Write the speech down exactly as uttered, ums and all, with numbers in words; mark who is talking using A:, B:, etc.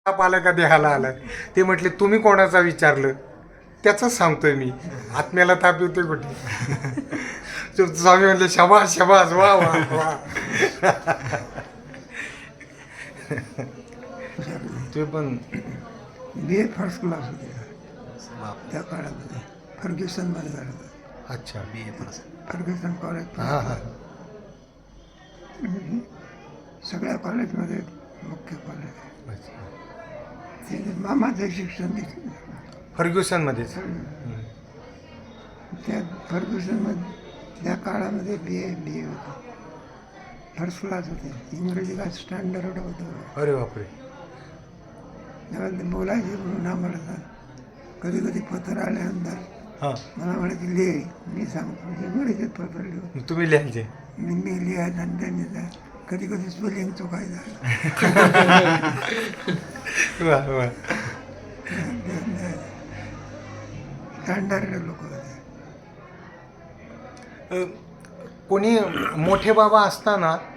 A: ताप आला का देहाला आला. ते म्हटले तुम्ही कोणाचा विचारलं त्याचंच सांगतोय मी. आत्म्याला ताप येतोय कुठे. तर स्वामी म्हणले शबास शबास वा वा वा. ते पण
B: बी ए फर्स्ट क्लास होते त्या काळामध्ये. फर्ग्युसनमध्ये झालं होतं.
A: अच्छा बी ए
B: फर्ग्युसन कॉलेज
A: हां हां
B: सगळ्या कॉलेजमध्ये मुख्य कॉलेज आहे.
A: अच्छा.
B: ते मामाचं शिक्षण घेतलं
A: फर्ग्युसनमध्येच.
B: त्या फर्ग्युसनमध्ये त्या काळामध्ये बी ए बी ए होतं. फर्स्ट क्लास होते. इंग्रजी काय स्टँडर्ड होतं.
A: अरे बापरे.
B: तेव्हा ते बोलायचे म्हणून आम्हाला सांग. कधी कधी पत्र आल्यानंतर
A: हां
B: मला म्हणायचे लिहि. मी सांगतो इंग्रजीत पत्र लिहू.
A: तुम्ही लिहायचे.
B: मी मी लिहायचं आणि त्यांनी जा कधी कधी स्पेलिंग चुकायचं.
A: वा वा.
B: स्टँडर्ड लोक होते.
A: अ, कोणी मोठे बाबा असताना